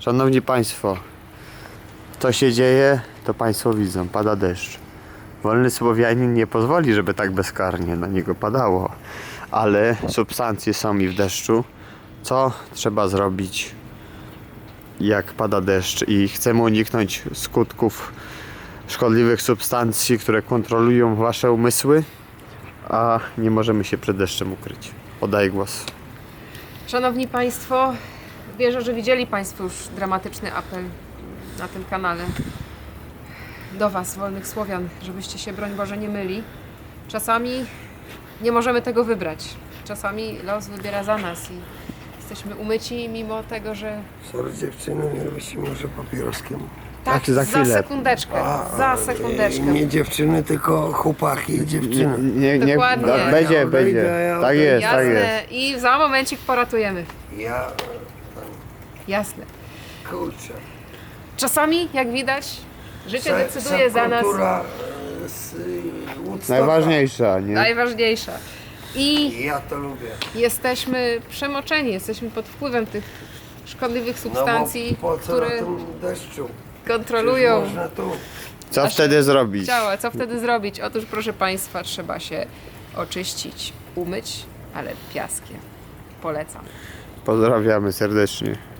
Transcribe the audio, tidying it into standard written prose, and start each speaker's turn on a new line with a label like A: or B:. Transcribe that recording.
A: Szanowni Państwo, co się dzieje, to Państwo widzą, pada deszcz. Wolny Słowianin nie pozwoli, żeby tak bezkarnie na niego padało, ale substancje są i w deszczu. Co trzeba zrobić, jak pada deszcz i chcemy uniknąć skutków szkodliwych substancji, które kontrolują Wasze umysły, a nie możemy się przed deszczem ukryć. Oddaję głos.
B: Szanowni Państwo, wierzę, że widzieli Państwo już dramatyczny apel na tym kanale do Was, wolnych Słowian, żebyście się, broń Boże, nie myli. Czasami nie możemy tego wybrać. Czasami los wybiera za nas i jesteśmy umyci mimo tego, że...
C: Sorry dziewczyny, nie robicie może papieroskiem.
B: Tak,
A: za chwilę.
B: Za sekundeczkę.
C: Nie dziewczyny, tylko chłopaki, dziewczyny.
A: Nie,
B: Dokładnie.
A: będzie. Tak jest, tak jest.
B: Jasne. I za momencik poratujemy.
C: Ja,
B: Jasne.
C: kurczę.
B: Czasami, jak widać, życie decyduje za nas.
C: Kultura z Woodstocka.
A: Najważniejsza, nie?
B: Najważniejsza. I
C: Ja to lubię.
B: jesteśmy przemoczeni, jesteśmy pod wpływem tych szkodliwych substancji,
C: no bo po co
B: które
C: na tym deszczu?
B: kontrolują
C: Przecież można tu.
A: Co wtedy zrobić?
B: ciała. Co wtedy zrobić? Otóż, proszę Państwa, trzeba się oczyścić, umyć, ale piaskiem. Polecam.
A: Pozdrawiamy serdecznie.